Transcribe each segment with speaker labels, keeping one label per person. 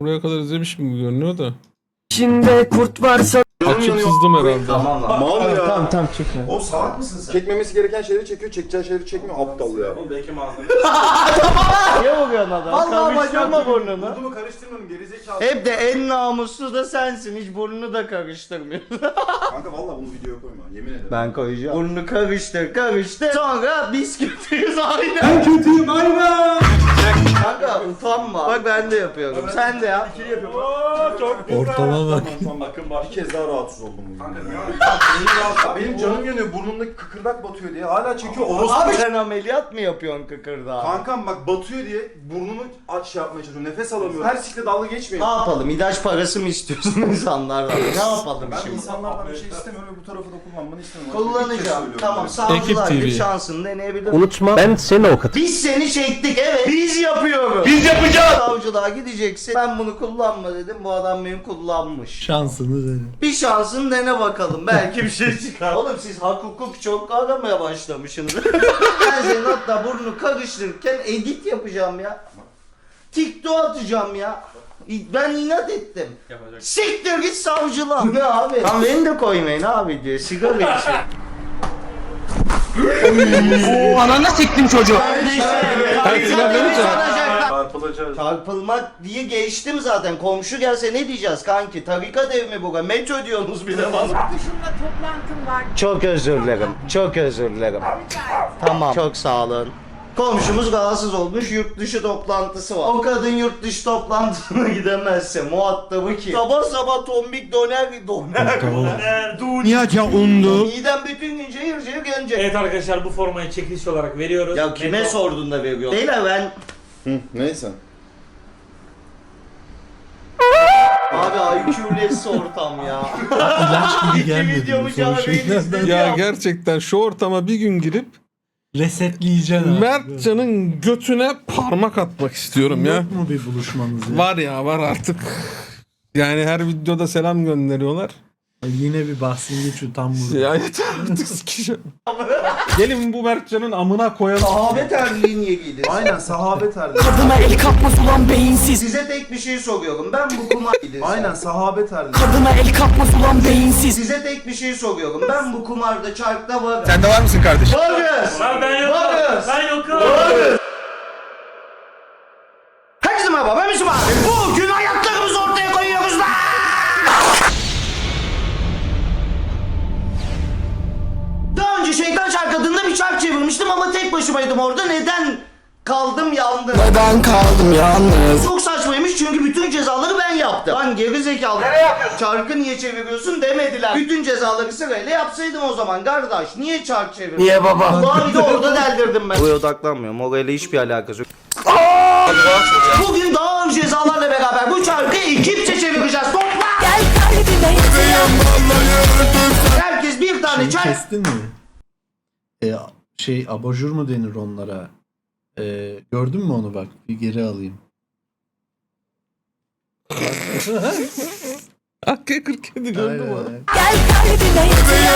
Speaker 1: buraya kadar izlemiş gibi görünüyor da.
Speaker 2: İçinde kurt varsa
Speaker 1: Açıp sızdım herhalde.
Speaker 3: Tamam lan. Mal ya.
Speaker 2: tamam çekme.
Speaker 3: Oğlum salak mısın sen? Çekmemesi gereken şeyleri çekiyor, çekeceği şeyleri çekmiyor. Aptal ya.
Speaker 4: Oğlum belki malzeme.
Speaker 2: Niye vuruyorsun adam?
Speaker 3: Vallahi
Speaker 2: Karıştırma burnunu.
Speaker 3: Burnumu karıştırmıyorum gerizekalı.
Speaker 2: Hep de en namuslu da sensin. Hiç burnunu da karıştırmıyorsun.
Speaker 3: Kanka vallahi bunu videoya koyma. Yemin ederim.
Speaker 2: Ben koyacağım. Burnunu karıştır. Sonra biz kötüyüz aynen. Ben kötüyüm aynen. Kanka utanma. Bak ben de yapıyorum. Sen de yap.
Speaker 3: İkili yapıyorum.
Speaker 4: Çok
Speaker 1: Ortama bak.
Speaker 3: Tamam bakın bak. Bir kez daha rahatsız oldum bugün.
Speaker 4: Kanka
Speaker 3: Ya benim canım yanıyor. Burnumdaki kıkırdak batıyor diye. Hala çekiyor. Orospu.
Speaker 2: Abi sen ameliyat mı yapıyorsun kıkırdağı?
Speaker 3: Kankam bak batıyor diye burnumu aç şey yapmaya çalışıyorum. Nefes alamıyorum. Her sikle dalga geçmeyin.
Speaker 2: Ne yapalım? İlaç parası mı istiyorsun insanlardan? Ne yapalım
Speaker 3: Ben
Speaker 2: şimdi?
Speaker 3: insanlardan bir şey istemiyorum ve bu tarafı da kullanmanı istemiyorum.
Speaker 2: Kullanacağım. Tamam
Speaker 1: Ekip
Speaker 2: savcılar
Speaker 1: TV.
Speaker 2: bir şansını deneyebilir.
Speaker 5: Unutma ben seni avukatım.
Speaker 2: Biz seni çektik evet. Biz yapıyoruz. Biz yapacağız. Savcılığa gideceksin. Ben bunu kullanma dedim. Bu adam benim kullanmış.
Speaker 5: Şansını dene.
Speaker 2: Bir şansını dene bakalım. Belki bir şey çıkar. Oğlum siz hak hukuk çok aramaya başlamışsınız. Ben senin hatta burnunu karıştırırken edit yapacağım ya. TikTok atacağım ya. Ben inat ettim.
Speaker 4: yapacak.
Speaker 2: Siktir git savcılığa. Bu ne abi? Lan beni de koymayın abi diyor. Sigara içiyor.
Speaker 5: Oo ananı siktim çocuğu.
Speaker 3: Çarpılacağız.
Speaker 2: Çarpılmak diye geçtim zaten. Komşu gelse ne diyeceğiz kanki? Tarikat ev mi bu? Metro diyorsunuz bir de bana.
Speaker 6: Dışında toplantım var.
Speaker 2: Çok özür dilerim. Çok özür dilerim. Tamam. Çok sağ olun. Komşumuz rahatsız olmuş, yurt dışı toplantısı var. O kadın yurt dışı toplantısına gidemezse muhatabı ki. Sabah sabah tombik doner.
Speaker 5: Niyaca undu.
Speaker 2: Midem bütün gün cayır cayır gelecek.
Speaker 4: Evet arkadaşlar bu formayı çekiliş olarak veriyoruz.
Speaker 2: Ya kime sordun da veriyor? Beyler ben...
Speaker 3: Neyse.
Speaker 2: Abi IQ'less ortam ya.
Speaker 5: İlaç gibi
Speaker 2: İki
Speaker 5: gelmedi.
Speaker 2: videomu
Speaker 5: bu son
Speaker 2: canlı
Speaker 5: şeylerden.
Speaker 1: Ya gerçekten şu ortama bir gün girip
Speaker 5: Resetleyeceksin abi.
Speaker 1: Mertcan'ın götüne parmak atmak istiyorum ya.
Speaker 5: Yok mu bir buluşmanız ya?
Speaker 1: Var ya var artık. Yani her videoda selam gönderiyorlar.
Speaker 5: Yine bir bahsin geçiyor tam burada.
Speaker 1: Ya yeter artık sikeceğim. Gelin bu Mertcan'ın amına koyalım.
Speaker 2: Sahabe terliği niye giydin?
Speaker 3: Aynen sahabe terliği.
Speaker 6: Kadına el kalkmaz ulan beyinsiz.
Speaker 2: Size tek bir şey soruyorum. Ben bu kumar giydin.
Speaker 3: Aynen sahabe terliği.
Speaker 6: Kadına el kalkmaz ulan beyinsiz.
Speaker 2: Size tek bir şey soruyorum. Ben bu kumarda çarkta varım.
Speaker 1: Sen de var mısın kardeşim?
Speaker 2: Varız.
Speaker 4: Lan ben yokum.
Speaker 2: Varız.
Speaker 4: Ben yokum.
Speaker 2: Varız. Herkese merhaba ben Müslüm abi. Bugün hayatlarımızı ortaya koyuyoruz lan. Daha önce Şeytan Çark adında bir çark çevirmiştim ama tek başımaydım orada. Neden kaldım yandım?
Speaker 6: Neden kaldım yalnız?
Speaker 2: Çok saçmaymış çünkü bütün cezaları ben yaptım. Lan geri zekalı. Nereye yapıyorsun? Çarkı niye çeviriyorsun demediler. Bütün cezaları sırayla yapsaydım o zaman kardeş. Niye çark çevirdin?
Speaker 6: Niye baba?
Speaker 2: Daha bir de orada deldirdim ben. Buraya odaklanmıyorum. Orayla hiçbir alakası yok. Bugün daha ağır cezalarla beraber bu çarkı ekipçe çevireceğiz. Topla!
Speaker 6: Gel kalbime
Speaker 2: Herkes bir tane
Speaker 5: Şeyi
Speaker 2: çark.
Speaker 5: kestin mi? Abajur mu denir onlara? Gördün mü onu bak? Bir geri alayım.
Speaker 1: AK-47 gördün mü?
Speaker 5: Aynen.
Speaker 6: Gel kalbime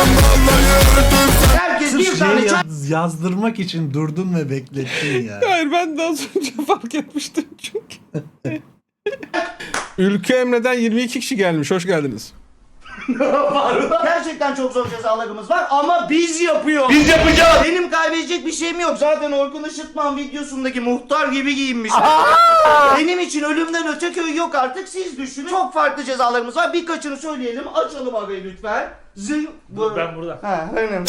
Speaker 2: Herkes bir
Speaker 5: Sırf
Speaker 2: tane
Speaker 5: şeyi
Speaker 2: çark.
Speaker 5: yazdırmak için durdun ve beklettin ya.
Speaker 1: Hayır ben de az önce fark etmiştim çünkü. Ülke Emre'den 22 kişi gelmiş. Hoş geldiniz.
Speaker 2: Gerçekten çok zor cezalarımız var ama biz yapıyoruz. Biz yapacağız. Benim kaybedecek bir şeyim yok. Zaten Orkun Işıtman videosundaki muhtar gibi giyinmiş. Benim için ölümden öte köy yok artık. Siz düşünün. Çok farklı cezalarımız var. Birkaçını söyleyelim. Açalım arayı lütfen.
Speaker 4: Ben burada.
Speaker 2: Ha, önemli.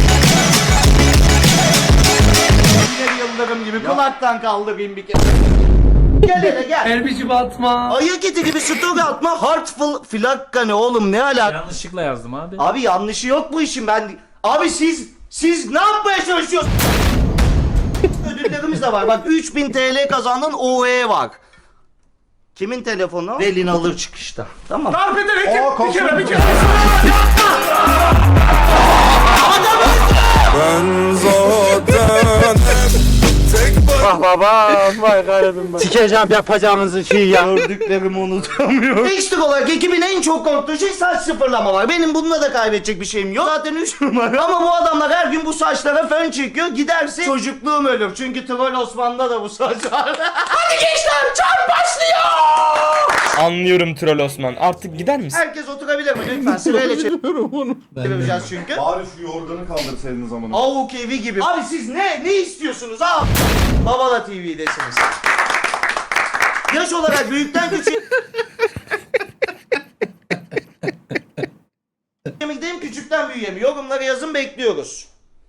Speaker 2: Yine bir Yıldırım gibi kulaktan kaldırayım bir kere. Gel hele gel.
Speaker 6: Erbicim atma.
Speaker 2: Ayak eti gibi story atma. Heartful flakka ne oğlum ne alaka?
Speaker 4: Yanlışlıkla yazdım abi.
Speaker 2: Abi yanlışı yok bu işin ben. Abi siz ne yapmaya çalışıyorsunuz? Ödüllerimiz de var. Bak 3000 TL kazandın OE var. Kimin telefonu? Velin alır çıkışta. Tamam.
Speaker 4: Darp ederek bir kere bir kere.
Speaker 5: Sikeceğim yapacağınızı şey ya.
Speaker 2: Gördüklerimi unutamıyorum. Ekstra olarak ekibin en çok korktuğu şey saç sıfırlama var. Benim bununla da kaybedecek bir şeyim yok. Zaten 3 numara. Ama bu adamlar her gün bu saçlara fön çekiyor. Giderse çocukluğum ölür. Çünkü Troll Osman'da da bu saç var. Hadi gençler çarp başlıyor.
Speaker 7: Anlıyorum Troll Osman. Artık gider misin?
Speaker 2: Herkes oturabilir mi? Lütfen sırayla
Speaker 1: Bilmiyorum onu.
Speaker 2: çevireceğiz çünkü.
Speaker 3: Bari şu yorganı kaldırsaydınız amına.
Speaker 2: Avuk evi gibi. Abi siz ne istiyorsunuz abi? Babala TV'desiniz. Yaş olarak büyükten küçüğe mi gideyim küçükten büyüğe mi? Yorumlara yazın bekliyoruz.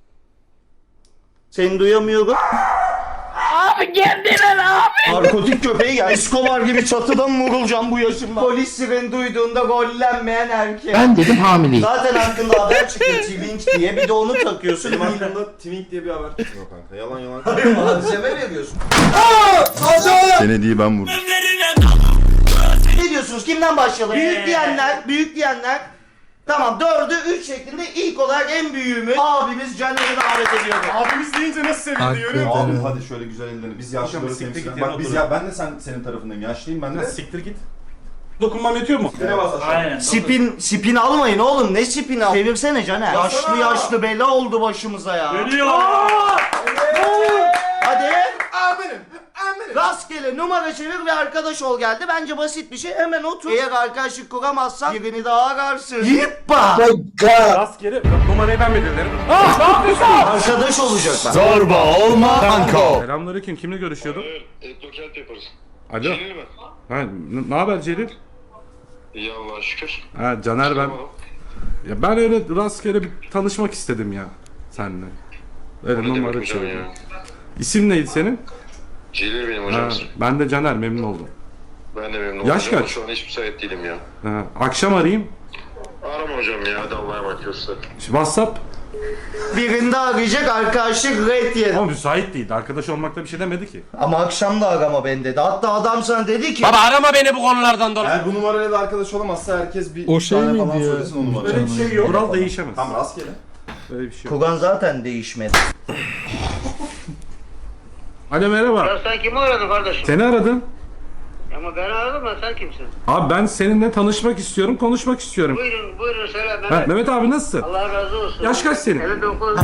Speaker 2: Seni duyamıyorum.
Speaker 6: Abi kendine abi.
Speaker 2: Narkotik köpeği gel. Escobar gibi çatıdan mı vurulacağım bu yaşımda? Polis sireni duyduğunda gollenmeyen erkek.
Speaker 6: Ben dedim hamileyim.
Speaker 2: Zaten hakkında haber çıkıyor Twink diye. Bir de onu takıyorsun.
Speaker 3: Benim hakkımda Twink diye bir haber çıkıyor kanka. Yalan yalan.
Speaker 2: Malzeme veriyorsun.
Speaker 3: Senediği ben vurdum.
Speaker 2: Ne diyorsunuz? Kimden başlayalım? Büyük diyenler. Tamam 4'ü 3 şeklinde ilk olarak en büyüğümüz abimiz Caner'i davet ediyorum.
Speaker 3: Abimiz deyince nasıl sevindi görüyor
Speaker 5: Hakikaten.
Speaker 3: musun? Abi hadi şöyle güzel ellerini. Biz yaşlıları
Speaker 4: siktir
Speaker 3: temsil
Speaker 4: git
Speaker 3: Bak
Speaker 4: yana
Speaker 3: biz
Speaker 4: otur.
Speaker 3: ya ben de senin tarafındayım. Yaşlıyım ben de.
Speaker 4: Siktir git.
Speaker 3: Dokunmam yetiyor mu? Direkt bas aşağı.
Speaker 4: Aynen.
Speaker 2: Spin almayın oğlum. Ne spin al? Çevirsene Caner. Yaşlı bela oldu başımıza ya.
Speaker 4: Geliyor.
Speaker 2: Hadi.
Speaker 3: Amirim.
Speaker 2: Rastgele numara çevir ve arkadaş ol geldi. Bence basit bir şey. Hemen otur. Eğer arkadaşlık kuramazsan birini daha ararsın. Yippa.
Speaker 3: Rastgele numarayı ben belirlerim.
Speaker 2: Arkadaş olacaklar.
Speaker 5: Zorba olma kanko.
Speaker 8: Selamünaleyküm. Kimle görüşüyordum?
Speaker 9: Dokent yaparız.
Speaker 8: Alo.
Speaker 9: Celil mi?
Speaker 8: Ha, ne haber Celil?
Speaker 9: İyi Allah'a şükür.
Speaker 8: Ha, Caner ben. Ya ben öyle rastgele bir tanışmak istedim ya seninle. Öyle
Speaker 9: Ne demek
Speaker 8: numara
Speaker 9: hocam
Speaker 8: çevirdim.
Speaker 9: ya?
Speaker 8: İsim neydi senin?
Speaker 9: Celil benim
Speaker 8: Ha,
Speaker 9: hocam.
Speaker 8: ben de Caner, memnun oldum.
Speaker 9: Ben de memnun oldum.
Speaker 8: Yaş
Speaker 9: Ama
Speaker 8: kaç?
Speaker 9: Şu an hiç müsait değilim ya.
Speaker 8: Ha, akşam arayayım.
Speaker 9: Arama hocam ya. Hadi Allah'a emanet olsun.
Speaker 8: WhatsApp.
Speaker 2: Birinde arayacak arkadaşlık red yedi.
Speaker 8: Ama müsait değildi. Arkadaş olmakta bir şey demedi ki.
Speaker 2: Ama akşam da arama beni dedi. Hatta adam sana dedi ki.
Speaker 7: Baba arama beni bu konulardan dolayı.
Speaker 3: Eğer bu numarayla da arkadaş olamazsa herkes bir
Speaker 1: O şey
Speaker 3: tane
Speaker 1: miydi
Speaker 3: falan
Speaker 1: ya?
Speaker 3: söylesin o numarayı.
Speaker 8: Öyle bir şey yok. Kural değişemez.
Speaker 3: Tamam rastgele.
Speaker 8: Öyle bir şey yok.
Speaker 2: Kugan zaten değişmedi.
Speaker 8: Alo merhaba.
Speaker 10: Ya sen kimi aradın kardeşim?
Speaker 8: Seni aradım.
Speaker 10: Ama ben aradım da sen kimsin?
Speaker 8: Abi ben seninle tanışmak istiyorum, konuşmak istiyorum.
Speaker 10: Buyurun söyle
Speaker 8: Ha,
Speaker 10: Mehmet.
Speaker 8: Mehmet abi nasılsın?
Speaker 10: Allah razı olsun.
Speaker 8: Yaş kaç senin?
Speaker 10: 59.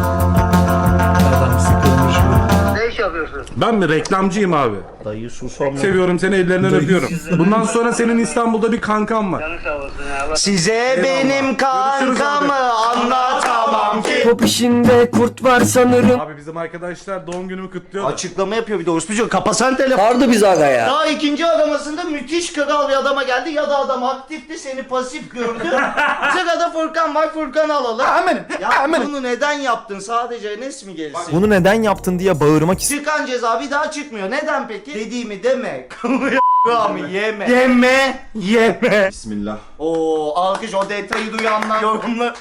Speaker 5: Adam sıkılmış mı?
Speaker 10: Ne iş yapıyorsun?
Speaker 8: Ben mi? Reklamcıyım abi.
Speaker 2: Dayı susamıyor.
Speaker 8: Seviyorum seni, ellerinden öpüyorum. Bundan sonra senin İstanbul'da bir kankan var.
Speaker 10: Canın sağ olsun ya. Allah.
Speaker 2: Size benim kankamı anlatamam ki.
Speaker 6: Top işinde kurt var sanırım.
Speaker 8: Abi bizim arkadaşlar doğum günümü kutluyor. da.
Speaker 2: Açıklama yapıyor bir de orospu. Kapasan telefon.
Speaker 6: Sardı biz aga ya.
Speaker 2: Daha ikinci aramasında müthiş kral bir adama geldi ya da adam aktifti seni pasif gördü. Sırada Furkan var, Furkan'ı alalım. Ya bunu neden yaptın? Sadece Enes mi gelsin?
Speaker 6: Bunu neden yaptın diye bağırmak istedim.
Speaker 2: Çıkan ceza bir daha çıkmıyor. Neden peki? Dediğimi deme. Kamu yeme. Yeme.
Speaker 3: Bismillah.
Speaker 2: Oo alkış o detayı duyanlar yorumlar.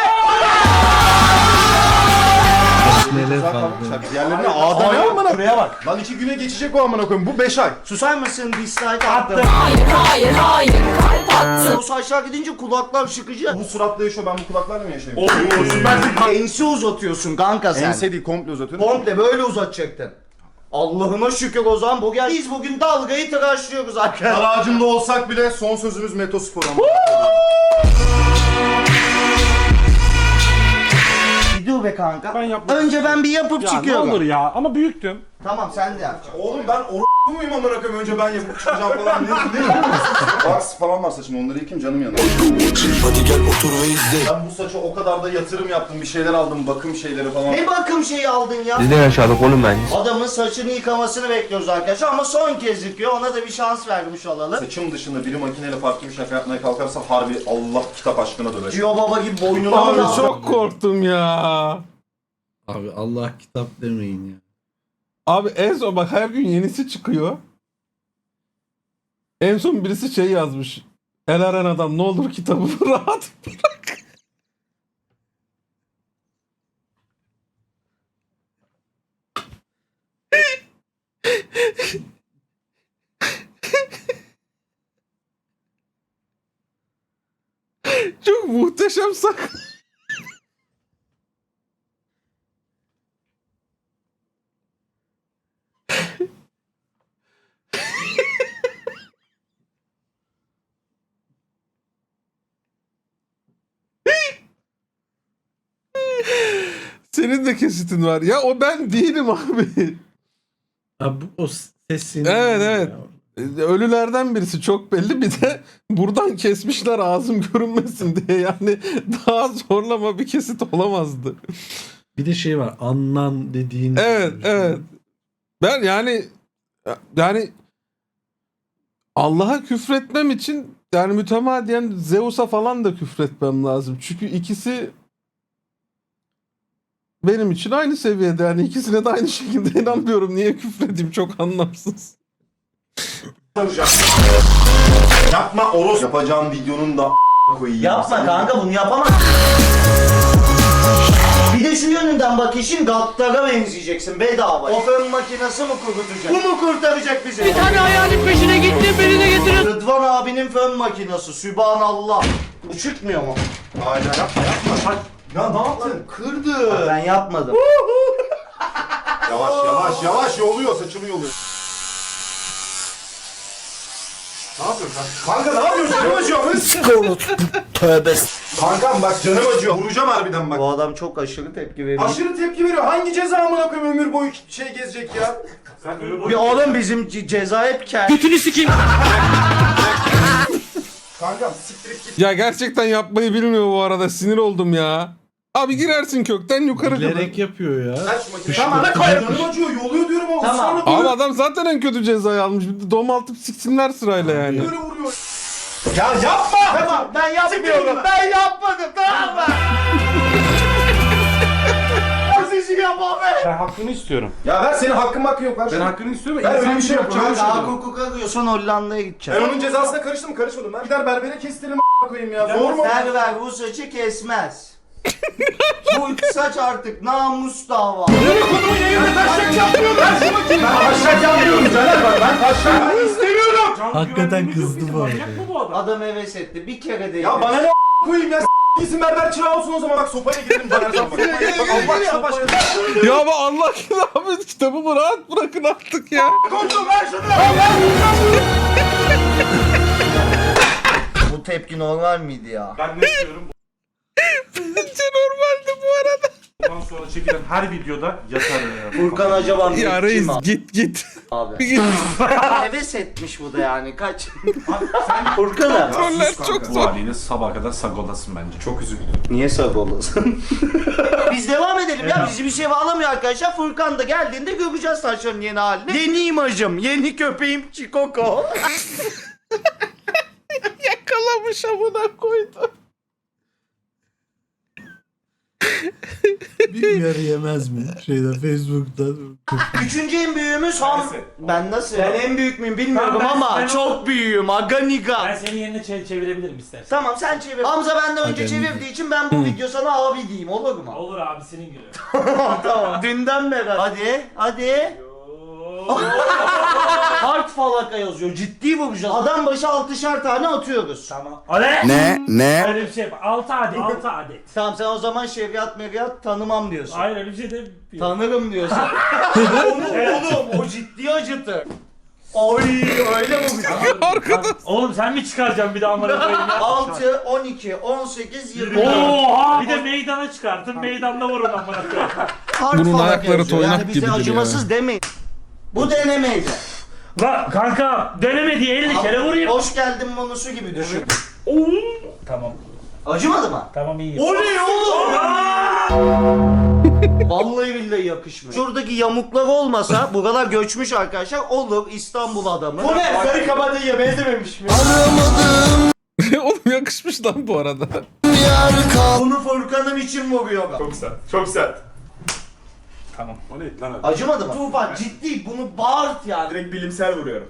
Speaker 5: Neler
Speaker 3: Güzel
Speaker 5: kaldı.
Speaker 3: kalmışlar. Diğerlerine A'da ne amına? Şuraya bak. Lan 2 güne geçecek o amına koyayım. Bu 5 ay.
Speaker 2: Susar mısın? Dislike attım.
Speaker 6: Hayır.
Speaker 2: O saçlar gidince kulaklar şıkıcı.
Speaker 3: Bu suratla yaşıyor. Ben bu kulaklarla mı yaşayayım?
Speaker 2: Ense uzatıyorsun kanka sen.
Speaker 3: Ense değil komple uzatıyorum.
Speaker 2: Komple böyle uzatacaktın. Allah'ıma şükür o zaman bugün biz bugün dalgayı tıraşlıyoruz arkadaşlar.
Speaker 3: Dar ağacında olsak bile son sözümüz Metospor ama.
Speaker 2: Bir dur be kanka.
Speaker 8: Ben yapmak
Speaker 2: Önce ben bir yapıp
Speaker 8: Ya ne
Speaker 2: çıkıyorum.
Speaker 8: olur ya, ama büyüktüm.
Speaker 2: Tamam sen de yapacaksın.
Speaker 3: Oğlum ben muyum amına koyayım? Önce ben yapıp çıkacağım falan. Ne Vaks falan var saçımda. Onları yıkayım canım yanıyor.
Speaker 6: Hadi gel otur ve izle.
Speaker 3: Ben bu saça o kadar da yatırım yaptım. Bir şeyler aldım. Bakım şeyleri falan.
Speaker 2: Ne bakım şeyi aldın ya?
Speaker 6: Biz ne yaşadık oğlum ben?
Speaker 2: Adamın saçını yıkamasını bekliyoruz arkadaşlar ama son kez yıkıyor. Ona da bir şans vermiş olalım.
Speaker 3: Saçım dışında biri makineyle farklı bir şaka yapmaya kalkarsa harbi Allah kitap aşkına döver.
Speaker 2: Cio Baba gibi boynuna
Speaker 1: Abi
Speaker 2: aldı.
Speaker 1: çok korktum ya.
Speaker 5: Abi Allah kitap demeyin ya.
Speaker 1: Abi en son bak her gün yenisi çıkıyor. En son birisi şey yazmış. El aran adam ne olur kitabı rahat bırak. Çok muhteşem sak. Senin de kesitin var. Ya o ben değilim abi.
Speaker 5: Abi o sesin.
Speaker 1: Evet, evet. ölülerden birisi çok belli. Bir de buradan kesmişler ağzım görünmesin diye. Yani daha zorlama bir kesit olamazdı.
Speaker 5: Bir de şey var. Annan dediğin.
Speaker 1: Evet, evet. Ben yani Allah'a küfretmem için yani mütemadiyen Zeus'a falan da küfretmem lazım. Çünkü ikisi benim için aynı seviyede. Yani ikisine de aynı şekilde inanmıyorum. Niye küfredeyim? Çok anlamsız.
Speaker 3: Yapma Oros. Yapacağım videonun da koyayım.
Speaker 2: Yapma kanka, bunu yapamaz. Bir de şu yönünden bak, işin Gattar'a benzeyeceksin bedava. O fön makinesi mi kurutacak? Bu mu kurtaracak bizi? Bir tane hayalin peşine gitti, beni de getirin. Rıdvan abinin fön makinesi, Sübhanallah. Bu çıkmıyor mu?
Speaker 3: Aynen yapma. Ya ne yaptın?
Speaker 2: Kırdı. Ben yapmadım.
Speaker 3: Yavaş yoluyor, saçımı yoluyor. Ne yapıyorsun kanka? Ne yapıyorsun? Canım acıyor.
Speaker 6: Tövbe.
Speaker 3: Kankam bak canım acıyor. Vuracağım harbiden bak.
Speaker 2: Bu adam çok aşırı tepki veriyor.
Speaker 3: Aşırı tepki veriyor. Hangi ceza amına koyayım ömür boyu şey gezecek ya?
Speaker 2: Bir oğlum bizim ceza hep kendi.
Speaker 7: Götünü sikeyim.
Speaker 3: Kankam siktirip git.
Speaker 1: Ya gerçekten yapmayı bilmiyor bu arada. Sinir oldum ya. Abi girersin kökten yukarı kadar.
Speaker 5: Bilerek yapıyor ya.
Speaker 3: Aç makineyi. Tamam ne koyayım? Canım acıyor. Yoluyor diyorum ama
Speaker 2: Tamam.
Speaker 3: ısrarla
Speaker 1: Abi
Speaker 3: böyle
Speaker 1: adam zaten en kötü cezayı almış. Bir de domaltıp siksinler sırayla yani.
Speaker 3: vuruyor. Ya yapma!
Speaker 2: Tamam, ben yapmıyorum. Ben yapmadım, tamam mı? Sesi yapma be.
Speaker 8: Ben hakkını istiyorum.
Speaker 3: Ya ver senin hakkın yok. Ver
Speaker 8: Ben
Speaker 3: şunu.
Speaker 8: hakkını istiyorum.
Speaker 3: Ben öyle
Speaker 8: İnsan
Speaker 3: bir şey yapacağım.
Speaker 2: Daha hukuk arıyorsan Hollanda'ya gideceğim.
Speaker 3: Ben onun cezasına karıştım mı? Karışmadım. Ben gider berbere kestirelim koyayım ya. Zor mu?
Speaker 2: Ver bu saçı kesmez. Bu saç artık namus dava.
Speaker 3: Konumu yayında taşak yapmıyorum. Ver şu makineyi. Ben taşak yapmıyorum Caner bak. Ben taşak istemiyorum.
Speaker 5: Hakikaten kızdı bu arada.
Speaker 4: Bu adam.
Speaker 2: Adam heves etti. Bir kere değil.
Speaker 3: Ya bana ne koyayım ya? Gitsin berber çırağı olsun o zaman. Bak sopayla gidelim Caner'den bak. Bak Allah aşkına başka.
Speaker 1: Ya ama Allah aşkına abi kitabımı rahat bırakın artık ya.
Speaker 3: Koçum ver şunu.
Speaker 2: Bu tepki normal miydi ya?
Speaker 8: Ben ne istiyorum?
Speaker 1: Bence normaldi bu arada.
Speaker 8: Bundan sonra çekilen her videoda yatarım ya.
Speaker 2: Furkan acaba
Speaker 1: Ya
Speaker 2: kim
Speaker 1: reis
Speaker 2: abi?
Speaker 1: git.
Speaker 2: Abi.
Speaker 1: Git.
Speaker 2: Heves etmiş bu da yani kaç. Furkan'a.
Speaker 1: Troller çok
Speaker 8: Bu
Speaker 1: zor.
Speaker 8: haliyle sabaha kadar sagodasın bence. Çok üzüldüm.
Speaker 2: Niye sağ olasın? Biz devam edelim ya. Bizi bir şey bağlamıyor arkadaşlar. Furkan da geldiğinde göreceğiz saçların yeni halini. Yeni imajım, yeni köpeğim Çikoko.
Speaker 1: Yakalamış amına koydu.
Speaker 5: Bir uyarı yemez mi? Facebook'ta.
Speaker 2: Üçüncü en büyüğümüz Ben nasıl? Ben en büyük müyüm bilmiyorum
Speaker 4: Tamam,
Speaker 2: ama
Speaker 4: ben
Speaker 2: çok büyüğüm. Aga niga.
Speaker 4: Ben senin yerine çevirebilirim istersen.
Speaker 2: Tamam sen çevir. Hamza benden önce
Speaker 5: Aga
Speaker 2: çevirdiği için ben bu video sana abi diyeyim olur mu?
Speaker 4: Olur abi senin günü.
Speaker 2: Tamam. Dünden beri. Hadi. Hard falaka yazıyor. Ciddi vuracağız. Adam başı 6'şar tane atıyoruz.
Speaker 4: Tamam. Ale!
Speaker 6: Ne?
Speaker 4: Öyle bir şey yap. 6 adet.
Speaker 2: Tamam sen o zaman şeriat meriyat tanımam diyorsun.
Speaker 4: Hayır öyle bir şey de
Speaker 2: Tanırım diyorsun. Oğlum o ciddi acıtır. Oy öyle mi vuracağız?
Speaker 4: Oğlum sen mi çıkaracaksın bir daha amına koyayım ya?
Speaker 2: 6, 12, 18, 20.
Speaker 4: Oha! Bir de meydana çıkartın. Meydanda vurun amına koyayım.
Speaker 2: Hard
Speaker 1: Bunun
Speaker 2: falaka
Speaker 1: ayakları
Speaker 2: yazıyor.
Speaker 1: toynak
Speaker 2: Yani bize
Speaker 1: gibidir
Speaker 2: acımasız demeyin. Bu denemeydi.
Speaker 4: La kanka deneme diye 50 kere vurayım.
Speaker 2: Hoş geldin bonusu gibi düşün.
Speaker 4: Tamam.
Speaker 2: Acımadı mı?
Speaker 4: Tamam iyi.
Speaker 2: O ne oğlum? Vallahi billahi yakışmıyor. Şuradaki yamuklar olmasa buralar göçmüş arkadaşlar. Olur İstanbul adamı. Bu ne? Sarı kabadayıya benzememiş mi?
Speaker 1: Oğlum yakışmış lan bu arada.
Speaker 2: Bunu Furkan'ım için vuruyor.
Speaker 3: Çok sert.
Speaker 4: Tamam.
Speaker 8: O neydi lan öyle?
Speaker 2: Acımadı mı? Tufan ciddi bunu bağırt yani.
Speaker 3: Direkt bilimsel vuruyorum.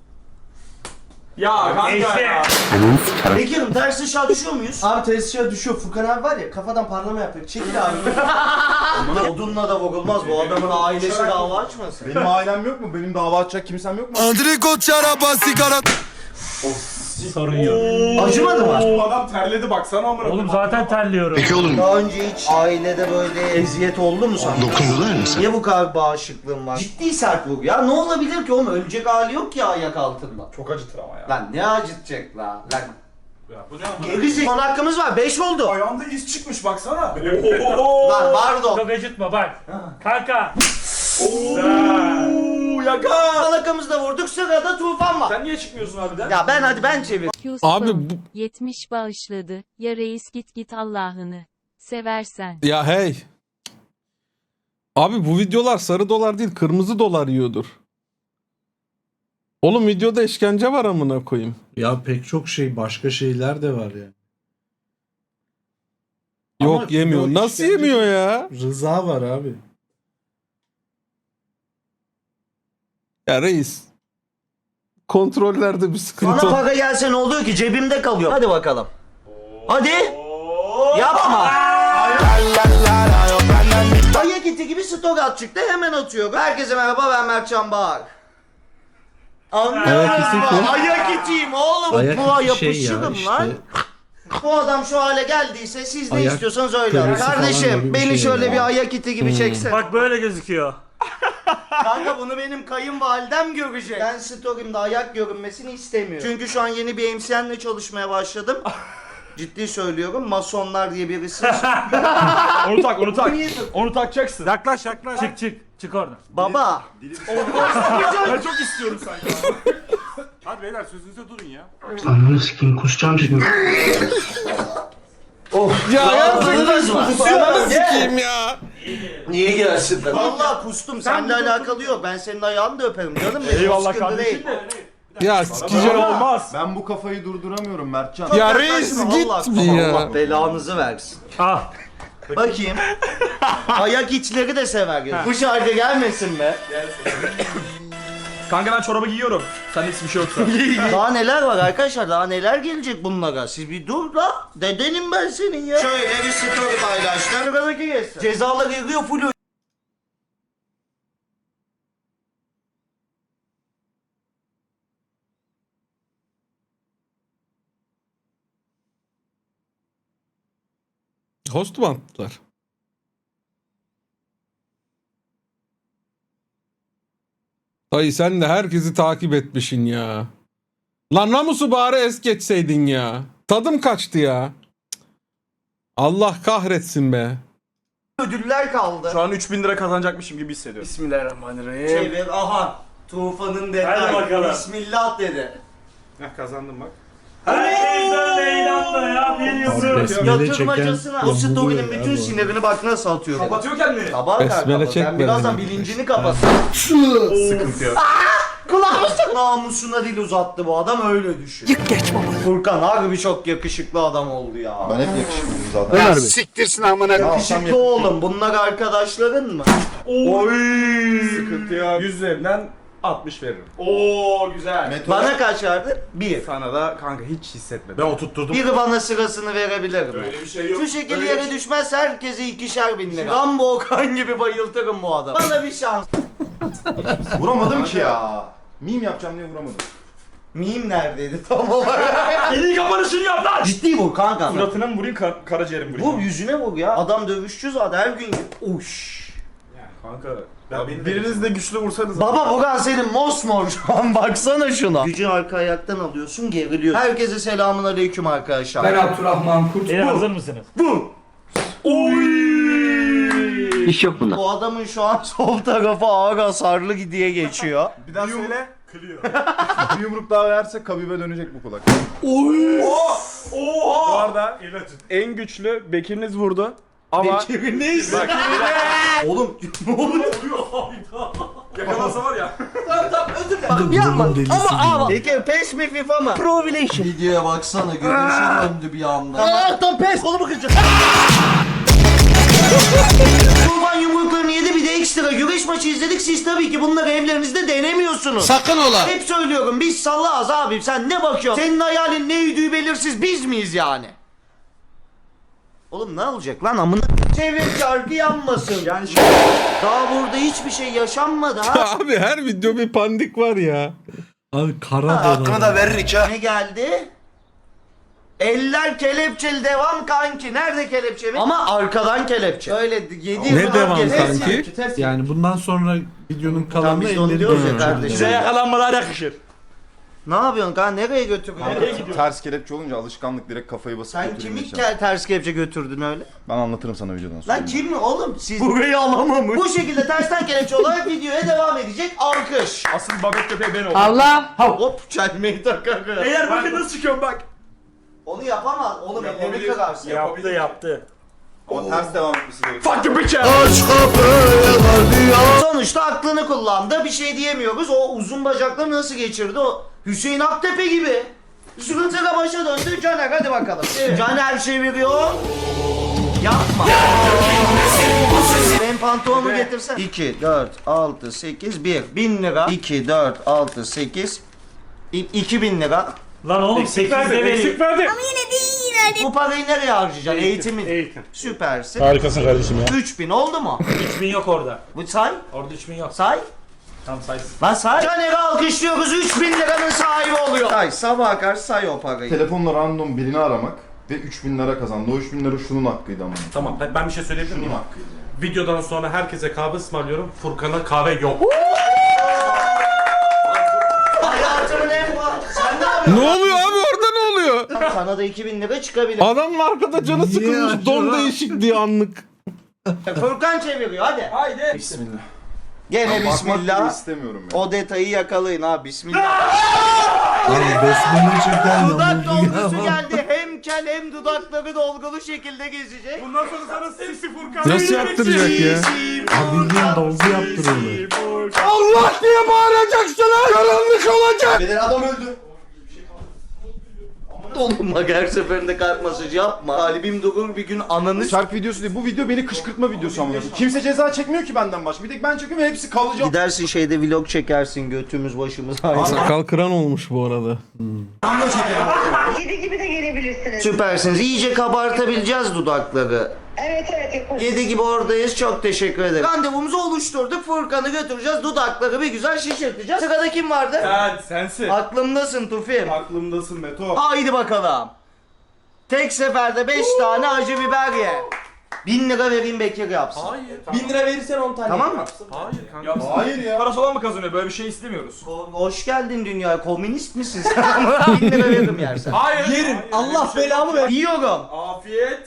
Speaker 3: Ya kanka
Speaker 4: Neyse.
Speaker 3: ya.
Speaker 2: Bekir'im ters ışığa düşüyor muyuz?
Speaker 11: Abi tesisçiye düşüyor. Furkan abi var ya kafadan parlama yapıyor. Çekil abi.
Speaker 2: Odunla da vurulmaz bu adamın ailesi dava açmasın.
Speaker 3: Benim ailem yok mu? Benim dava açacak kimsem yok mu?
Speaker 6: Andriko çaraba sigara.
Speaker 4: Sorun yok.
Speaker 2: Acımadı mı?
Speaker 3: Bu adam terledi baksana amına.
Speaker 4: Oğlum zaten terliyorum.
Speaker 2: Daha önce hiç ailede böyle eziyet oldu mu sana?
Speaker 6: Dokundular mı sen?
Speaker 2: Niye bu kadar bağışıklığın var? Ciddi sert vurgu ya. Ne olabilir ki oğlum? Ölecek hali yok ki ayak altında.
Speaker 3: Çok acıtır ama ya.
Speaker 2: Lan ne acıtacak la? Lan
Speaker 8: Ya bu ne ama?
Speaker 2: geri son hakkımız var. 5 oldu.
Speaker 3: Ayağında iz çıkmış baksana.
Speaker 2: Lan pardon.
Speaker 4: Çok acıtma bak. Kanka.
Speaker 2: Alakamızı da vurduk. Sırada Tufan var.
Speaker 4: Sen niye çıkmıyorsun harbiden?
Speaker 2: Ya ben çevir.
Speaker 1: Abi bu
Speaker 12: 70 bağışladı. Ya reis git Allah'ını seversen.
Speaker 1: ya hey. Abi bu videolar sarı dolar değil kırmızı dolar yiyordur. Oğlum videoda işkence var amına koyayım.
Speaker 5: Ya pek çok şey, başka şeyler de var ya.
Speaker 1: Yok
Speaker 5: Ama
Speaker 1: yemiyor.
Speaker 5: yok,
Speaker 1: Nasıl
Speaker 5: işkence-
Speaker 1: yemiyor ya?
Speaker 5: Rıza var abi.
Speaker 1: Ya reis. Kontrollerde bir sıkıntı
Speaker 2: Bana
Speaker 1: var.
Speaker 2: para gelse ne oluyor ki? Cebimde kalıyor. Hadi bakalım. Hadi. Yapma. Ayak iti gibi story at çıktı. Hemen atıyor. Herkese merhaba, ben Mertcan Bağır.
Speaker 1: Ayak iti kim?
Speaker 2: Ayak itiyim oğlum.
Speaker 5: Ayak
Speaker 2: Buğa
Speaker 5: iti şey ya
Speaker 2: yapışırım
Speaker 5: işte.
Speaker 2: lan. Bu adam şu hale geldiyse siz ne
Speaker 5: Ayak
Speaker 2: istiyorsanız öyle yapın.
Speaker 5: kırısı falan gibi
Speaker 2: Kardeşim
Speaker 5: bir
Speaker 2: beni
Speaker 5: şey
Speaker 2: şöyle
Speaker 5: ya.
Speaker 2: bir ayak iti gibi çeksen.
Speaker 4: Bak böyle gözüküyor.
Speaker 2: Kanka bunu benim kayınvalidem görecek. Ben story'imde ayak görünmesini istemiyorum. Çünkü şu an yeni bir MCN'le çalışmaya başladım. Ciddi söylüyorum. Masonlar diye birisi.
Speaker 3: Onu tak, onu tak. Onu takacaksın.
Speaker 4: Yaklaş. Çık oradan.
Speaker 2: Baba.
Speaker 3: Ben çok istiyorum sanki. Hadi beyler sözünüze durun ya.
Speaker 10: Ananı sikeyim kusacağım şimdi.
Speaker 1: Ya
Speaker 2: Rahatsızlığınız var.
Speaker 1: Ananı sikeyim ya.
Speaker 2: Niye gelsin? Vallahi kustum. Seninle alakalı yok. Ben senin ayağını da öperim canım benim.
Speaker 3: Eyvallah
Speaker 2: Sıkıntı
Speaker 3: kardeşim.
Speaker 2: değil.
Speaker 1: Ya sikeceğim.
Speaker 3: Olmaz.
Speaker 6: Ben bu kafayı durduramıyorum Mertcan.
Speaker 1: Ya reis
Speaker 2: Allah,
Speaker 1: git bir ya.
Speaker 2: Allah belanızı versin.
Speaker 4: Ah.
Speaker 2: Bakayım. Ayak içleri de sever. Bu şarkı gelmesin be.
Speaker 3: Kanka ben çorabı giyiyorum. Sen hiçbir şey yoksa.
Speaker 2: Daha neler var arkadaşlar? Daha neler gelecek bunlara? Siz bir dur la. Dedenim ben senin ya. Şöyle bir story paylaştım. Sıradaki geçsin. Cezalar yığıyor full.
Speaker 1: Host mu attılar? Dayı sen de herkesi takip etmişsin ya. Lan namusu bari es geçseydin ya. Tadım kaçtı ya. Cık. Allah kahretsin be.
Speaker 2: Ödüller kaldı.
Speaker 3: Şu an 3000 lira kazanacakmışım gibi hissediyorum.
Speaker 4: Bismillahirrahmanirrahim.
Speaker 2: Çevir aha. Tufan'ın
Speaker 4: Hadi
Speaker 2: detayı.
Speaker 4: bakalım.
Speaker 2: Bismillah dedi.
Speaker 3: Kazandım bak.
Speaker 4: Herkesten meydan da ya. Bir yıldız.
Speaker 5: Besmele
Speaker 2: Yatırmacasına
Speaker 5: çeken
Speaker 2: o story'nin
Speaker 5: yamuluyor
Speaker 2: bütün
Speaker 5: ya bu.
Speaker 2: sinirini bak nasıl atıyor.
Speaker 3: Kapatıyor kendini.
Speaker 2: Kabar
Speaker 1: Besmele
Speaker 2: kanka.
Speaker 1: çekme
Speaker 2: Ben birazdan
Speaker 1: dedim.
Speaker 2: bilincini kapat.
Speaker 3: Sıkıntı yok.
Speaker 2: Kulağımızda namusuna dil uzattı bu adam öyle düşün. Yık geç baba. Furkan harbi çok yakışıklı adam oldu ya.
Speaker 6: Ben hep yakışıklıyım zaten.
Speaker 10: Siktirsin amına.
Speaker 2: Yakışıklı oğlum bunlar arkadaşların mı?
Speaker 3: Sıkıntı yok. 100 üzerinden 60 veririm. Oo güzel.
Speaker 2: Bana kaç verdi? 1.
Speaker 3: Sana da kanka hiç hissetmedim. Ben oturtturdum.
Speaker 2: Biri bana sırasını verebilir mi?
Speaker 3: Öyle bir şey yok.
Speaker 2: Şu şekilde
Speaker 3: Öyle
Speaker 2: yere
Speaker 3: bir şey-
Speaker 2: düşmez herkese 2'şer bin lira. Rambo Okan gibi bayıltırım bu adamı. Bana bir şans.
Speaker 6: Vuramadım ki ya. Meme yapacağım diye vuramadım.
Speaker 2: Miyim neredeydi tam olarak?
Speaker 3: Elini kapanışını yap lan.
Speaker 2: Ciddi vur kanka.
Speaker 3: Suratına mı vurayım karaciğerim vurayım?
Speaker 2: Vur yüzüne vur ya. Adam dövüşçü zaten her gün. Uş.
Speaker 3: Kanka. Biriniz de güçlü vursanız.
Speaker 2: Baba Bugan senin mosmor şu an baksana şuna. Gücü arka ayaktan alıyorsun geriliyor. Herkese selamun aleyküm arkadaşlar.
Speaker 4: Beyler hazır mısınız?
Speaker 2: Bu.
Speaker 10: İş yok bunda.
Speaker 2: Bu adamın şu an sol tarafı ağır hasarlı diye geçiyor.
Speaker 3: Bir daha söyle. Kılıyor. Bir yumruk daha versek kabibe dönecek bu kulak. Oha! Bu arada en güçlü Bekir'iniz vurdu. Ama
Speaker 2: Bekir'iniz.
Speaker 3: Bak,
Speaker 2: Oğlum ne oluyor?
Speaker 3: yakalasa var ya.
Speaker 5: Yapma. Ama
Speaker 2: Peki PES mi FIFA mı? Pro Evolution. Videoya baksana görünüşü döndü bir anda. Allah'tan PES kolumu kıracağım. Kurban yumruklarını yedi bir de ekstra güreş maçı izledik. Siz tabii ki bunları evlerinizde denemiyorsunuz.
Speaker 6: Sakın ola.
Speaker 2: Hep söylüyorum biz sallağız abi sen ne bakıyorsun? Senin hayalin ne yüdüğü belirsiz biz miyiz yani? Oğlum ne olacak lan amına? Çevir çarkı yanmasın. Yani daha burada hiçbir şey yaşanmadı ha.
Speaker 1: Abi her video bir pandik var ya.
Speaker 5: Abi kara
Speaker 6: Hakkını da
Speaker 5: dolar.
Speaker 6: veririk ha.
Speaker 2: Ne geldi? Eller kelepçeli devam kanki. Nerede kelepçe mi? Ama arkadan kelepçe. Öyle 7
Speaker 1: Ne devam kanki?
Speaker 5: Yani bundan sonra videonun kalanında
Speaker 2: biz de onu
Speaker 5: elleri
Speaker 2: diyoruz ya
Speaker 5: göreceğim.
Speaker 2: kardeşim.
Speaker 4: Size yakalanmalar yakışır.
Speaker 2: Ne yapıyorsun kanka? Nereye götürüyorsun?
Speaker 3: Ters kelepçe olunca alışkanlık direkt kafayı basıp
Speaker 2: Sen
Speaker 3: götürüyor
Speaker 2: kimi
Speaker 3: içeri.
Speaker 2: ters kelepçe götürdün öyle?
Speaker 3: Ben anlatırım sana videodan sonra.
Speaker 2: Lan kim mi oğlum? Siz burayı alamamış. Bu şekilde tersten kelepçe olarak videoya devam edecek. Alkış.
Speaker 6: Asıl babet köpeği ben oldum.
Speaker 7: Allah.
Speaker 2: Hop çelmeyi takarım.
Speaker 6: Eğer bakın nasıl çıkıyorum bak.
Speaker 2: Onu yapamaz. Oğlum ellerini kırarsın.
Speaker 4: Yaptı.
Speaker 3: Ama ters devam etmesi gerekiyor.
Speaker 6: Fuck you bitch.
Speaker 2: Sonuçta aklını kullandı. Bir şey diyemiyoruz. O uzun bacakları nasıl geçirdi? O Hüseyin Aktepe gibi. Sırıtıra başa döndü. Caner hadi bakalım. Caner çeviriyor. Yapma. Ben pantolonumu getirsen. 2, 4, 6, 8, 1. 1000 lira. 2, 4, 6, 8. 2000 lira.
Speaker 4: Lan oğlum 8'de vereyim.
Speaker 6: verdi.
Speaker 2: Bu parayı nereye harcayacaksın? Eğitimin.
Speaker 4: Eğitim.
Speaker 2: Süpersin.
Speaker 6: Harikasın kardeşim ya.
Speaker 2: 3000 oldu mu?
Speaker 4: 3000 yok orada.
Speaker 2: Bu say.
Speaker 4: Orada 3000 yok.
Speaker 2: Say.
Speaker 4: Tam saysın.
Speaker 2: Lan say. Caner'i alkışlıyoruz. 3000 liranın sahibi oluyor. Say sabaha karşı say o parayı.
Speaker 3: Telefonla random birini aramak ve 3000 lira kazandı. O 3000 lira şunun hakkıydı ama.
Speaker 8: Tamam ben bir şey söyleyebilir
Speaker 3: Şunun
Speaker 8: miyim?
Speaker 3: hakkıydı.
Speaker 8: Videodan sonra herkese kahve ısmarlıyorum. Furkan'a kahve yok.
Speaker 2: Hayatımın en Sen ne yapıyorsun?
Speaker 1: Ne oluyor abi orada ne oluyor?
Speaker 2: Sana da 2000 lira çıkabilir.
Speaker 1: Adamın arkada canı sıkılmış don değişik diye anlık.
Speaker 2: Furkan çeviriyor hadi.
Speaker 6: Haydi.
Speaker 3: Bismillah.
Speaker 2: Gene
Speaker 3: Bakmak bile
Speaker 2: bismillah.
Speaker 3: istemiyorum ya.
Speaker 2: O detayı yakalayın ha bismillah.
Speaker 5: Abi besmele çeken
Speaker 2: Dudak dolgusu
Speaker 5: yamuldu.
Speaker 2: geldi. Hem kel hem dudakları dolgulu şekilde gezecek.
Speaker 6: Bundan sonra sana sisi Furkan.
Speaker 1: Nasıl yaptıracak ya?
Speaker 5: Abi bildiğin dolgu yaptırıldı.
Speaker 1: Allah diye bağıracaksınız. Karanlık olacak.
Speaker 11: Beden adam öldü.
Speaker 2: Oğlum bak her seferinde kalp masajı yapma. Kalbim durur bir gün ananı
Speaker 3: Şarkı videosu değil. Bu video beni kışkırtma videosu ama. Kimse ceza çekmiyor ki benden başka. Bir tek ben çekiyorum ve hepsi kalıcı.
Speaker 2: Gidersin şeyde vlog çekersin götümüz başımız aynı.
Speaker 1: Sakal kıran olmuş bu arada.
Speaker 13: Kedi gibi de gelebilirsiniz.
Speaker 2: Süpersiniz. İyice kabartabileceğiz dudakları.
Speaker 13: Evet yaparız.
Speaker 2: 7 gibi oradayız. Çok teşekkür ederim. Randevumuzu oluşturduk. Furkan'ı götüreceğiz. Dudakları bir güzel şişirteceğiz. Sırada kim vardı?
Speaker 6: Sensin.
Speaker 2: Aklımdasın Tufim.
Speaker 6: Aklımdasın Meto.
Speaker 2: Haydi bakalım. Tek seferde 5 tane acı biber ye. 1000 lira vereyim Bekir yapsın.
Speaker 11: Bin lira verirsen 10 tane.
Speaker 2: Tamam mı?
Speaker 6: Hayır ya. Parası olan mı kazanıyor? Böyle bir şey istemiyoruz.
Speaker 2: Hoş geldin dünyaya. Komünist misin sen? 1000 lira veririm yersen.
Speaker 6: Hayır.
Speaker 11: Yerim. Allah belamı ver.
Speaker 2: Yiyorum.
Speaker 6: Afiyet.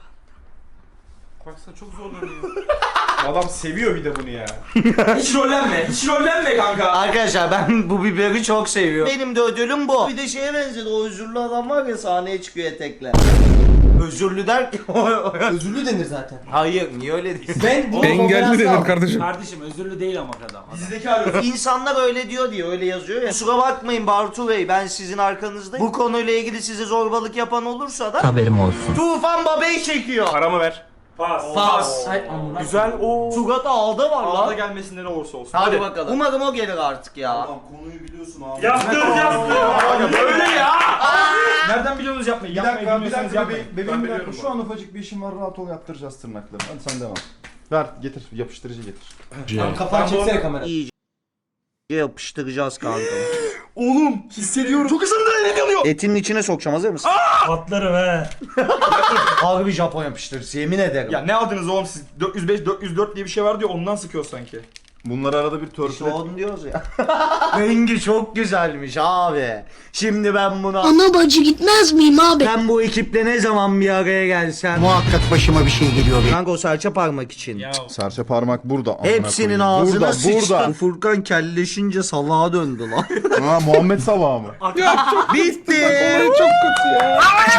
Speaker 8: Baksana çok zorlanıyor.
Speaker 6: Adam seviyor bir de bunu ya. Hiç rollenme. Hiç rollenme kanka.
Speaker 2: Arkadaşlar ben bu biberi çok seviyorum. Benim de ödülüm bu. Bir de şeye benzedi. O özürlü adam var ya sahneye çıkıyor etekle. Özürlü der ki.
Speaker 11: Özürlü denir zaten.
Speaker 2: Hayır niye öyle diyorsun?
Speaker 11: Ben bunu
Speaker 1: Engelli
Speaker 11: konferansta
Speaker 1: denir
Speaker 11: aldım.
Speaker 1: kardeşim.
Speaker 4: Kardeşim özürlü değil ama adam.
Speaker 6: Dizideki arıyor.
Speaker 2: İnsanlar öyle diyor diye öyle yazıyor ya. Kusura bakmayın Bartu Bey ben sizin arkanızdayım. Bu konuyla ilgili size zorbalık yapan olursa da
Speaker 10: Haberim olsun.
Speaker 2: Tufan Baba'yı çekiyor.
Speaker 6: Paramı ver.
Speaker 2: Pas.
Speaker 6: Güzel o.
Speaker 2: Sugat ağda var
Speaker 6: Ağda
Speaker 2: lan.
Speaker 6: gelmesinde ne olursa olsun.
Speaker 2: Hadi bakalım. Umarım o gelir artık ya.
Speaker 3: Adam konuyu biliyorsun abi.
Speaker 6: Aga böyle ya. Nereden biliyorsunuz yapmayı?
Speaker 3: Bir
Speaker 6: Yapmayı
Speaker 3: dakika, bir
Speaker 6: bilmiyorsanız
Speaker 3: dakika
Speaker 6: yapmayın.
Speaker 3: bebeğim bir dakika.
Speaker 8: biliyorum
Speaker 3: Şu an ufacık bir işim var, rahat ol, yaptıracağız tırnakları. Hadi sen devam. Ver, getir, yapıştırıcı getir.
Speaker 11: Kafanı çeksene kamera.
Speaker 2: İyice yapıştıracağız kanka.
Speaker 6: Oğlum hissediyorum. Çok ısındı elim yanıyor.
Speaker 2: Etinin içine sokacağım hazır mısın?
Speaker 4: Patlarım he.
Speaker 2: Harbi Japon yapıştırıcısı yemin ederim.
Speaker 6: Ya ne aldınız oğlum siz? 405, 404 diye bir şey var diyor ondan sıkıyor sanki.
Speaker 3: Bunları arada bir
Speaker 2: İşte
Speaker 3: törpüle...
Speaker 2: onu diyoruz ya. Rengi çok güzelmiş abi. Şimdi ben buna...
Speaker 13: Ana bacı gitmez miyim abi?
Speaker 2: Ben bu ekiple ne zaman bir araya gelsem...
Speaker 10: Muhakkak başıma bir şey geliyor.
Speaker 2: Kanka o serçe parmak için.
Speaker 3: Serçe parmak burada. amına
Speaker 2: Hepsinin
Speaker 3: koyayım.
Speaker 2: ağzına
Speaker 3: burada,
Speaker 2: sıçtı.
Speaker 3: Burada,
Speaker 2: Bu Furkan kelleşince salağa döndü lan.
Speaker 3: Ha, Muhammed Salah mı?
Speaker 2: Bitti.
Speaker 1: Çok kötü ya.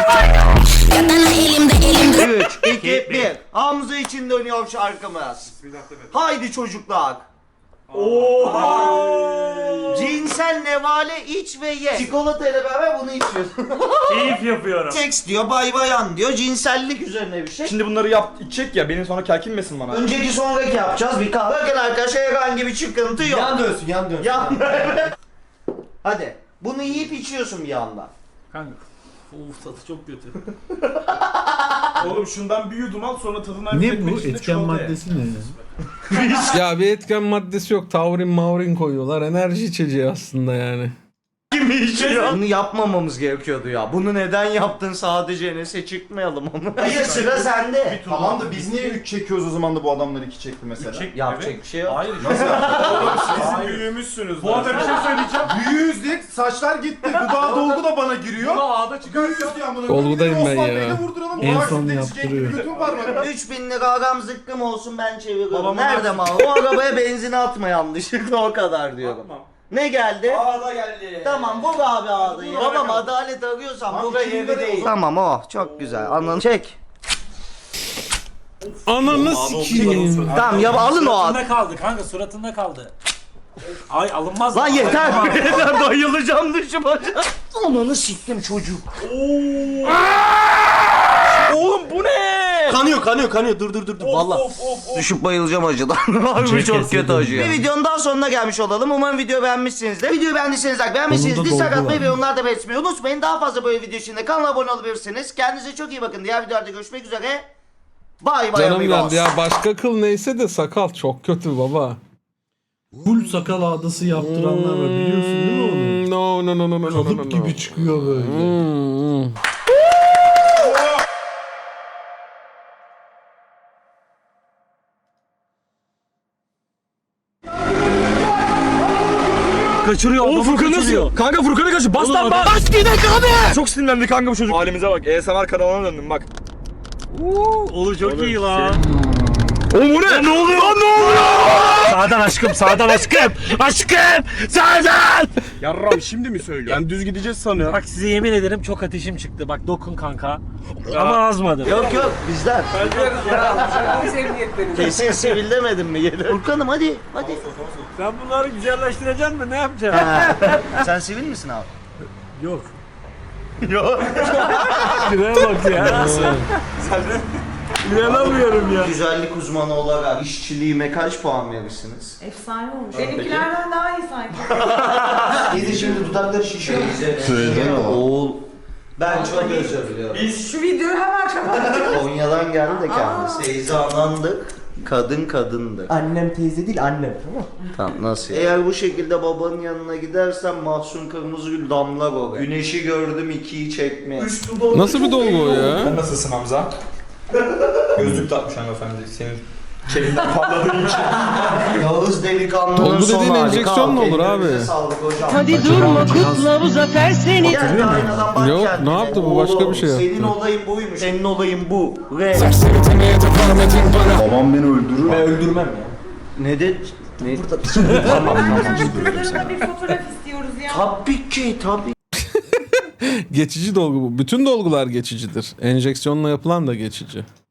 Speaker 2: 3, 2, 1. Hamza için dönüyor şarkımız. Haydi çocuklar. Cinsel nevale iç ve ye. Çikolata ile beraber bunu içiyorsun.
Speaker 4: Keyif yapıyorum.
Speaker 2: Seks diyor, bay bayan diyor. Cinsellik üzerine bir şey.
Speaker 6: Şimdi bunları içecek ya benim sonra kelkinmesin bana.
Speaker 2: Önceki sonraki yapacağız bir kahve. Bakın arkadaşlar herhangi bir çıkıntı yok.
Speaker 11: Yan dönsün yan dönsün.
Speaker 2: Yan. Hadi. Bunu yiyip içiyorsun bir yandan.
Speaker 4: Kanka. Uf tadı çok kötü.
Speaker 6: Oğlum şundan bir yudum al sonra tadından
Speaker 5: Ne bu? Etken maddesi ne?
Speaker 1: Ya bir etken maddesi yok. Taurin maurin koyuyorlar. Enerji içeceği aslında yani.
Speaker 2: Kim içiyor? Bunu yapmamamız gerekiyordu ya. Bunu neden yaptın sadece Enes'e çıkmayalım onu. Hayır sıra sende.
Speaker 3: Tamam da biz niye 3 çekiyoruz o zaman da bu adamlar 2 çekti mesela?
Speaker 2: Yapacak bir şey yok.
Speaker 4: Hayır.
Speaker 6: Oğlum siz büyüğümüzsünüz. Bu arada bir şey söyleyeceğim.
Speaker 3: Büyüğüz diye saçlar gitti. Dudağa dolgu da bana giriyor.
Speaker 6: Ağda çıkıyor.
Speaker 1: Dolgudayım ben ya.
Speaker 5: En son yaptırıyor.
Speaker 2: 3000 lira aram zıkkım olsun ben çeviriyorum. Nerede mal? O arabaya benzin atma yanlışlıkla o kadar diyorum. Ne geldi?
Speaker 6: Ağda geldi.
Speaker 2: Tamam vur abi ağzıyı. Babam adalet arıyorsan bu yeri değil. Tamam çok güzel. Anladın. Çek.
Speaker 1: Ananı sikeyim.
Speaker 2: Tamam ya alın o ağzı.
Speaker 4: Suratında kaldı kanka suratında kaldı. Ay alınmaz.
Speaker 2: Lan yeter. Yeter bayılacağım dışıma. Ananı siktim çocuk.
Speaker 6: Oğlum bu ne?
Speaker 11: Kanıyor. Dur. Valla.
Speaker 2: Düşüp bayılacağım acıdan. Harbi çok kötü acıyor. Bir videonun daha sonuna gelmiş olalım. Umarım video beğenmişsinizdir. Videoyu beğendiyseniz like, beğenmişsiniz.
Speaker 5: Onun da
Speaker 2: Dislike
Speaker 5: dolgu
Speaker 2: atmayı
Speaker 5: var.
Speaker 2: ve yorumlarda belirtmeyi unutmayın. Daha fazla böyle video için de kanala abone olabilirsiniz. Kendinize çok iyi bakın. Diğer videolarda görüşmek üzere. Bay bay
Speaker 1: Canım
Speaker 2: amigos.
Speaker 1: yandı ya, başka kıl neyse de sakal çok kötü baba.
Speaker 5: Full sakal ağdası yaptıranlar var biliyorsun değil mi onu?
Speaker 1: No.
Speaker 5: Kalıp gibi çıkıyor böyle.
Speaker 6: Kaçırıyor. Oğlum Furkan nasıl? Kanka Furkan'ı kaçır. Bas lan bas. Bas gidelim abi. Çok sinirlendi kanka bu çocuk. Halimize bak. ASMR kanalına döndüm bak.
Speaker 4: Oğlum çok iyi lan.
Speaker 6: Oğlum bu ne? Ne oluyor? Lan ne oluyor?
Speaker 4: Sağdan aşkım sağdan aşkım. Aşkım sağdan.
Speaker 6: Yarram şimdi mi söylüyor? Ben düz gideceğiz sanıyorum.
Speaker 4: Bak size yemin ederim çok ateşim çıktı. Bak dokun kanka. Ama azmadı.
Speaker 2: Yok bizden. Kesin sivil demedim mi? Furkan'ım hadi.
Speaker 4: Sen bunları güzelleştireceksin mi? Ne yapacaksın?
Speaker 2: Sen sivil misin abi?
Speaker 4: Yok.
Speaker 2: Yok.
Speaker 4: Şuraya bak ya. İnanamıyorum ya.
Speaker 2: Güzellik uzmanı olarak işçiliğime kaç puan verirsiniz?
Speaker 13: Efsane olmuş. Benimkilerden daha iyi sanki.
Speaker 2: Yedi şimdi dudakları şişiyor.
Speaker 3: Söylesene
Speaker 2: Oğul. Ben çok özür diliyorum.
Speaker 13: Şu videoyu hemen kapat.
Speaker 2: Konya'dan geldi de kendisi. Teyze anandık. Kadın kadındı.
Speaker 11: Annem teyze değil annem tamam.
Speaker 2: Tamam nasıl? Eğer bu şekilde babanın yanına gidersen Mahsun Kırmızıgül damlar oraya. Güneşi gördüm 2'yi çekmeye.
Speaker 1: Nasıl bir dolgu o ya?
Speaker 6: Sen nasılsın Hamza? Gözlük takmış hanımefendi. Senin kelinden patladığın için.
Speaker 2: Yağız delikanlının
Speaker 1: Dolgu
Speaker 2: son
Speaker 1: dediğin
Speaker 2: hali.
Speaker 1: enjeksiyon mu olur abi?
Speaker 2: Ellerinize sağlık hocam.
Speaker 13: Hadi durma kutla bu zafer seni.
Speaker 2: Gel de aynadan bak
Speaker 1: Yok,
Speaker 2: kendine.
Speaker 1: ne yaptı bu? Başka bir şey yaptı.
Speaker 2: Senin olayın buymuş. Senin olayın bu. Re.
Speaker 3: Babam beni öldürür.
Speaker 6: Ben öldürmem ya.
Speaker 2: Ne de... Ne?
Speaker 13: Kızlarına bir fotoğraf istiyoruz ya.
Speaker 2: Tabii ki tabii.
Speaker 1: Geçici dolgu bu. Bütün dolgular geçicidir. Enjeksiyonla yapılan da geçici.